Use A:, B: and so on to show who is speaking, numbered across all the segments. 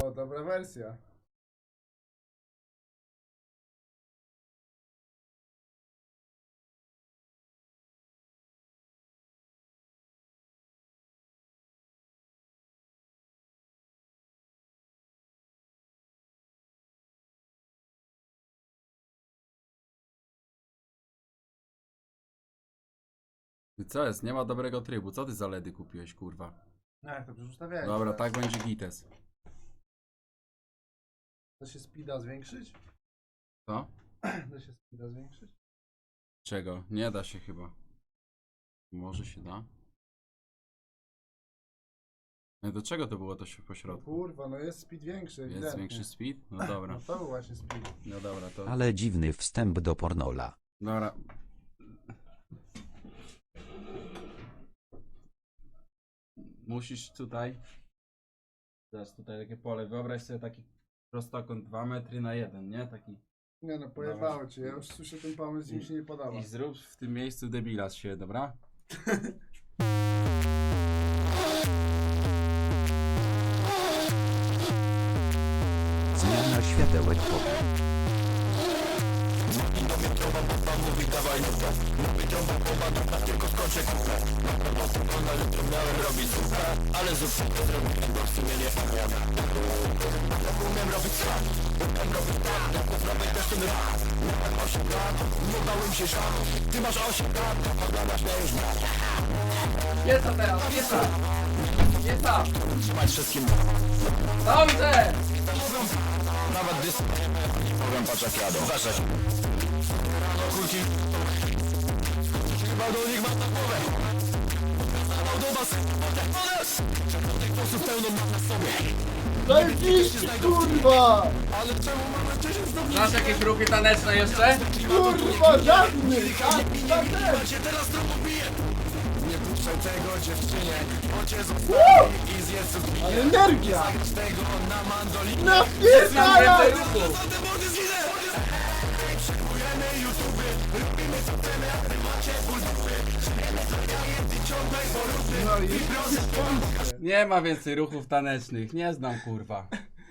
A: O, dobra wersja.
B: Co jest? Nie ma dobrego trybu. Co ty za LEDy kupiłeś, kurwa?
A: Jak to przecież ustawiałeś.
B: Dobra,
A: teraz.
B: tak będzie gites.
A: Da się speeda zwiększyć?
B: Co?
A: Da się speeda zwiększyć?
B: Czego? Nie da się chyba. Może się da? No do czego to było to się po
A: No
B: środku?
A: kurwa, no jest speed większy,
B: Jest
A: ewidentnie.
B: większy speed? No dobra.
A: No to był właśnie speed.
B: No dobra, to...
C: Ale dziwny wstęp do pornola.
B: Dobra. Musisz tutaj... Zaraz tutaj takie pole. Wyobraź sobie taki prostokąt 2 metry na 1, nie? Taki...
A: Nie no, pojebało cię, ja już słyszę ten pomysł i mi się nie podoba.
B: I zrób w tym miejscu debila z siebie, dobra?
C: Zmiana światełek po.
D: Piesa teraz, piesa! Piesa! Trzymać wszystkim. Dobrze!
E: Nawet dys... Powiem patrz jak jadą. Uważaj. Rano kulki. Chyba do nich mam na głowę. Do was. Tych posłów pełno mam na sobie.
A: Zajebiście, kurwa!
E: Ale czemu mamy 10 stopni?
D: Znasz jakieś ruchy taneczne jeszcze?
A: Kurwa, żadnych!
E: Ja się teraz trochę biję. Nie puszczaj tego dziewczynie, bo cię zostawi i zjedz cukier.
A: Ale energia!
E: Zagrać tego na mandolinie.
A: No pierdalaj!
E: Te mordy zginę! Przejmujemy YouTube, robimy co chcemy, a wy macie ból dupy. Ty ciągnaj porówny.
A: No i proszę.
B: Nie ma więcej ruchów tanecznych. Nie znam, kurwa.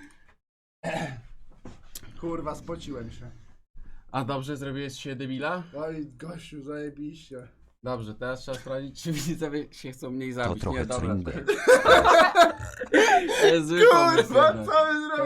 A: Kurwa, spociłem się.
B: A dobrze zrobiłeś się debila?
A: Oj, gościu, zajebiście.
B: Dobrze, teraz trzeba sprawdzić, czy widzowie się chcą mniej
C: To
B: zabić.
C: trochę
B: Nie, dobra.
C: cringe.
B: To jest zły pomysł
A: Kurwa,
B: jednak.
A: co wy
B: To